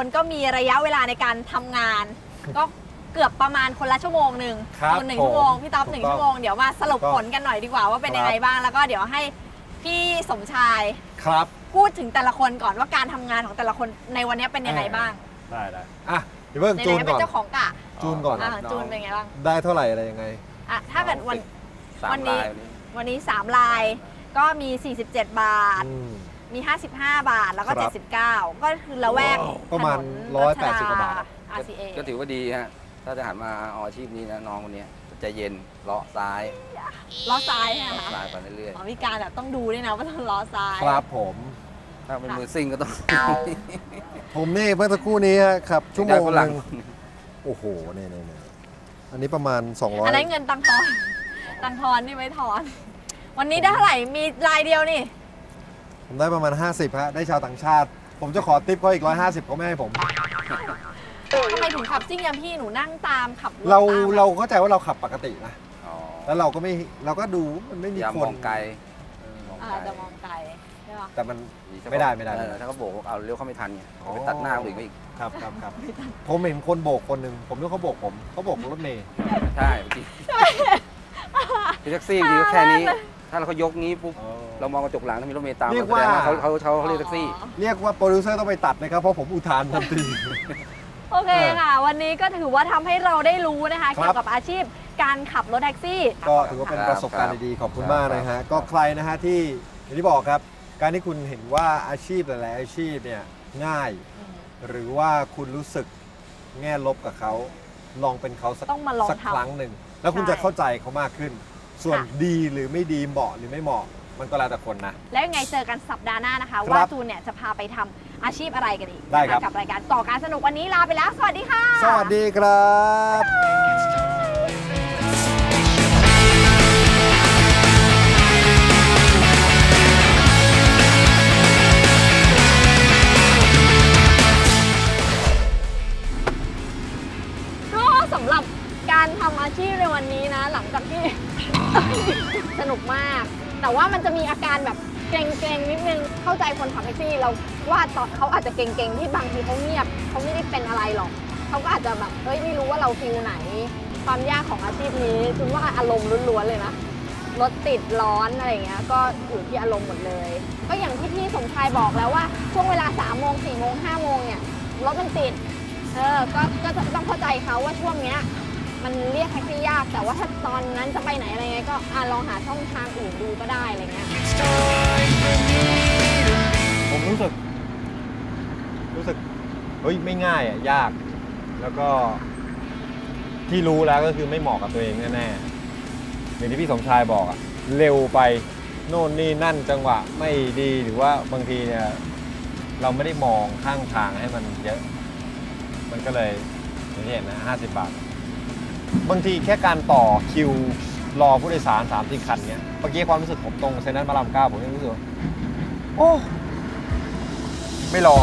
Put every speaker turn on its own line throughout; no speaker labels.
คนก็มีระยะเวลาในการทำงานก็เกือบประมาณคนละชั่วโมงหนึ่งคน1 ชั่วโมงพี่ต๊อบ1 ชั่วโมงเดี๋ยวมาสรุปผลกันหน่อยดีกว่าว่าเป็นยังไงบ้างแล้วก็เดี๋ยวให้พี่สมชาย
ครับ
พูดถึงแต่ละคนก่อนว่าการทำงานของแต่ละคนในวันนี้เป็นยังไงบ้าง
ได้อ่ะเดี๋ยวเพิ่งจูนก่อน
เป็นเจ้าของกะ
จูนก่อน
จูนเป็นไงบ้าง
ได้เท่าไหร่อะไรยังไง
อ่ะถ้าเกิดวันนี้3 ลายก็มี47 บาทมี55 บาทแล้วก็79ก็คือละแวก
ประมาณ180 กว่าบาท
RCA
ก็ถือว่าดีฮะถ้าจะหันมาเอาอาชีพนี้นะน้องคนนี้ใจเย็นเลาะซ้าย
ใช่ไหมคะ
ซ้ายไปเรื่อย
ๆมีการแบบต้องดูด้วยนะว่าต้องล้อซ้าย
ครับผม
ถ้าเป็นมือซิ่งก็ต้อง
ผมนี่เมื่อสักครู่นี้ครับชั่วโมงนึงโอ้โหเนี่ยอันนี้ประมาณ200
อันนั้นเงินตังทอนนี่ไม่ทอนวันนี้ได้เท่าไหร่มีรายเดียวนี่
ผมได้ประมาณ50ฮะได้ชาวต่างชาติผมจะขอติปเขาอีก150เขาไม่ให้ผม
ทำไมถึงขับซิ่งอย่างพี่หนูนั่งตามขับ
เราเข้าใจว่าเราขับปกตินะแล้วเราก็ดูมันไม่มีคน
มองไกล
จะมองไกลใช่ปะ
แต่มันไม่ได้
ถ้าเขาโบกเอาเลี้ยวเข้าไม่ทันไงไปตัดหน้าคนอื่นก็อีก
ครับผมเห็นคนโบกคนหนึ่งผมนึกเขาโบกผมเขาโบกรถเมย์
ใช่พี่แท็กซี่ดีแค่นี้ถ้าเราเขายกงี้ปุ๊บเรามองกระจกหลังถ้ามีรถเมล์ตาม
เรียกว่า
เขาเรียกแท็กซี่
เรียกว่าโปรดิวเซอร์ต้องไปตัดนะครับเพราะผมอุทานทันที
โอเคค่ะวันนี้ก็ถือว่าทำให้เราได้รู้นะคะเกี่ยวกับอาชีพการขับรถแท็กซี่
ก็ถือว่าเป็นประสบการณ์ดีๆขอบคุณมากนะฮะก็ใครนะฮะที่อย่างที่บอกครับการที่คุณเห็นว่าอาชีพหลายๆอาชีพเนี่ยง่ายหรือว่าคุณรู้สึกแง่ลบกับเขาลองเป็นเขาสักครั้งหนึ่งแล้วคุณจะเข้าใจเขามากขึ้นส่วนดีหรือไม่ดีเหมาะหรือไม่เหมาะมันก็แล้วแต่คนนะ
แล้วยังไงเจอกันสัปดาห์หน้านะคะว่าจูนเนี่ยจะพาไปทำอาชีพอะไรกันอีก
ได้ครับ
กับรายการก่อการสนุกวันนี้ลาไปแล้วสวัสดีค่ะ
สวัสดี
ครับก็สำหรับการทำอาชีพในวันนี้นะหลังจากที่ สนุกมากแต่ว่ามันจะมีอาการแบบเกรงๆนิดนึงเข้าใจคนขับแท็กซี่เราว่าตอนเขาอาจจะเกรงๆที่บางทีเขาเงียบเขาไม่ได้เป็นอะไรหรอกเขาก็อาจจะแบบเฮ้ยไม่รู้ว่าเราฟิลไหนความยากของอาชีพนี้คุณว่าอารมณ์ล้วนๆเลยนะรถติดร้อนอะไรเงี้ยก็อยู่ที่อารมณ์หมดเลยก็อย่างที่พี่สมชายบอกแล้วว่าช่วงเวลา3 โมง 4 โมง 5 โมงเนี่ยรถมันติดก็ต้องเข้าใจเขาว่าช่วงเนี้ยมันเรียกแท็กซี่ยากแต่ว่าถ้าตอนนั้นจะไปไหนอะไรเงี้ยก็ลองหาช่องทางอื่นดูก็ได้อะไรเงี้ย
ผมรู้สึกเฮ้ยไม่ง่ายอ่ะยากแล้วก็ที่รู้แล้วก็คือไม่เหมาะกับตัวเองแน่ๆอย่างที่พี่สมชายบอกอ่ะเร็วไปโน่นนี่นั่นจังหวะไม่ดีหรือว่าบางทีเนี่ยเราไม่ได้มองข้างทางให้มันเยอะมันก็เลยอย่างที่เห็นนะ50 บาทบางทีแค่การต่อคิวรอผู้โดยสาร3-4 คันเนี้ยเมื่อกี้ความรู้สึกผมตรงเซ็นทรัลพระราม 9ผมยังรู้สึกโอ้ไม่รอ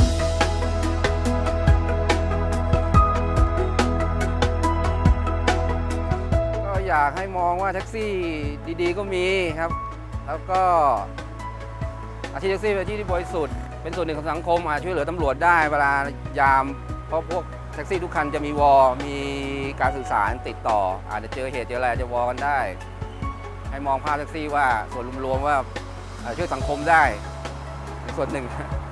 ก็อยากให้มองว่าแท็กซี่ดีๆก็มีครับแล้วก็อาชีพแท็กซี่เป็นอาชีพที่บริสุทธิ์เป็นส่วนหนึ่งของสังคมช่วยเหลือตำรวจได้เวลายามเพราะพวกแท็กซี่ทุกคันจะมีมีการสื่อสารติดต่ออาจจะเจอเหตุเจออะไรจะกันได้ให้มองภาพแท็กซี่ว่าส่วนรวมๆว่าช่วยสังคมได้ในส่วนหนึ่ง